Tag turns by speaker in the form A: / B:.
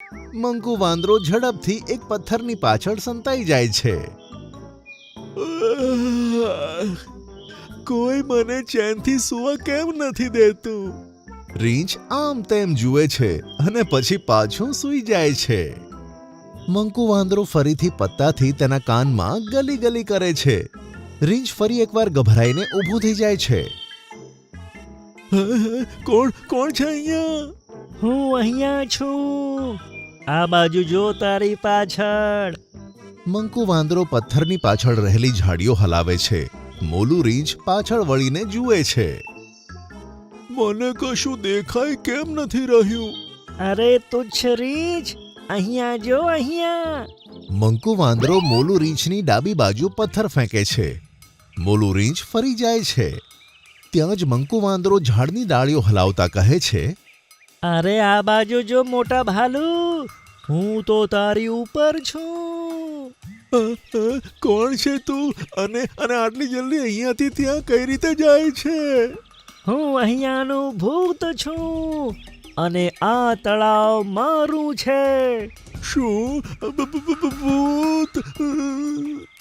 A: મંકુ વાંદરો ઝડપથી એક પથ્થરની પાછળ સંતાઈ જાય છે. કોઈ મને ચેનથી સૂવા કેમ નથી દેતું? રીંછ આમ તેમ જુએ છે અને પછી પાછું સૂઈ જાય છે. મંકુ વાંદરો ફરીથી પત્તાથી તેના કાનમાં ગલી ગલી કરે છે. રીંછ ફરી એકવાર ગભરાઈને ઊભું થઈ જાય છે. કોણ છે અહીંયા?
B: હું અહીંયા છું. આ બાજુ જો તારી પાછળ.
A: મંકુ વાંદરો પથ્થરની પાછળ રહેલી ઝાડીઓ હલાવે છે. મોલું રીંછ પાછળ વળીને જુએ છે. મને કશું દેખાય કેમ નથી રહ્યું?
B: અરે તુચ્છ રીંછ, અહીંયા જો અહીંયા.
A: મંકુ વાંદરો મોલું રીંછની ડાબી બાજુ પથ્થર ફેંકે છે. મોલું રીંછ ફરી જાય છે. ત્યાં જ મંકુ વાંદરો ઝાડની ડાળીઓ હલાવતા કહે છે,
B: અરે આ બાજુ જો મોટા ભાલુ, હું તો તારી ઉપર છું.
A: કોણ છે તું અને આટલી જલ્દી અહીંયાથી ત્યાં કઈ રીતે જાય છે?
B: હું અહીંયાનું ભૂત છું અને આ તળાવ મારું છે.
A: શું? ભૂત?